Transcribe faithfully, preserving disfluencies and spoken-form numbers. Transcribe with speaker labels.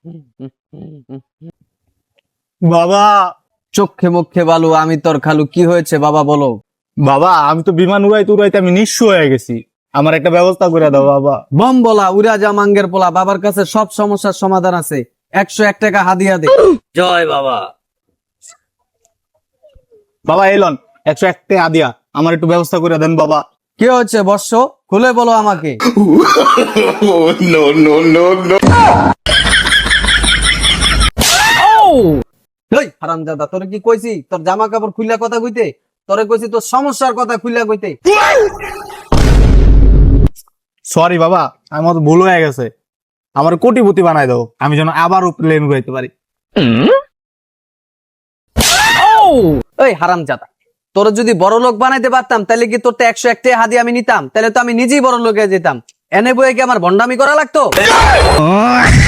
Speaker 1: বাবা,
Speaker 2: চোখে মুখে বালু, আমি তোর খালু। কি হয়েছে বাবা, বলো।
Speaker 1: বাবা আমি তো বিমান উড়াইতে উড়াইতে আমি নিঃস্ব হয়ে গেছি, আমার একটা ব্যবস্থা করে দাও বাবা।
Speaker 2: বম বলা, উড়া যা মাঙ্গের পোলা, বাবার কাছে সব সমস্যার সমাধান আছে। একশো এক টাকা হাদিয়া দে।
Speaker 3: জয় বাবা।
Speaker 1: বাবা এলন, একশো একটা আদিয়া, আমার একটু ব্যবস্থা করে দেন বাবা।
Speaker 2: কি হচ্ছে বর্ষ, খুলে বলো আমাকে। এই হারামজাদা, তোরে কি কইছি তোর জামা কাপড় খুইলা কথা কইতে? তোরে কইছি তোর সমস্যার কথা খুইলা কইতে।
Speaker 1: সরি বাবা, আমার তো ভুল হয়ে গেছে, আমার কোটিপতি বানাই দাও, আমি যেন আবারও প্লেন উড়াইতে পারি।
Speaker 2: এই হারামজাদা, তোর যদি বড় লোক বানাইতে পারতাম তাহলে কি তোর একশো একটা হাদি আমি নিতাম? তাহলে তো আমি নিজেই বড় লোকে যেতাম। এনে বইয়ে কি আমার ভন্ডামি করা লাগতো?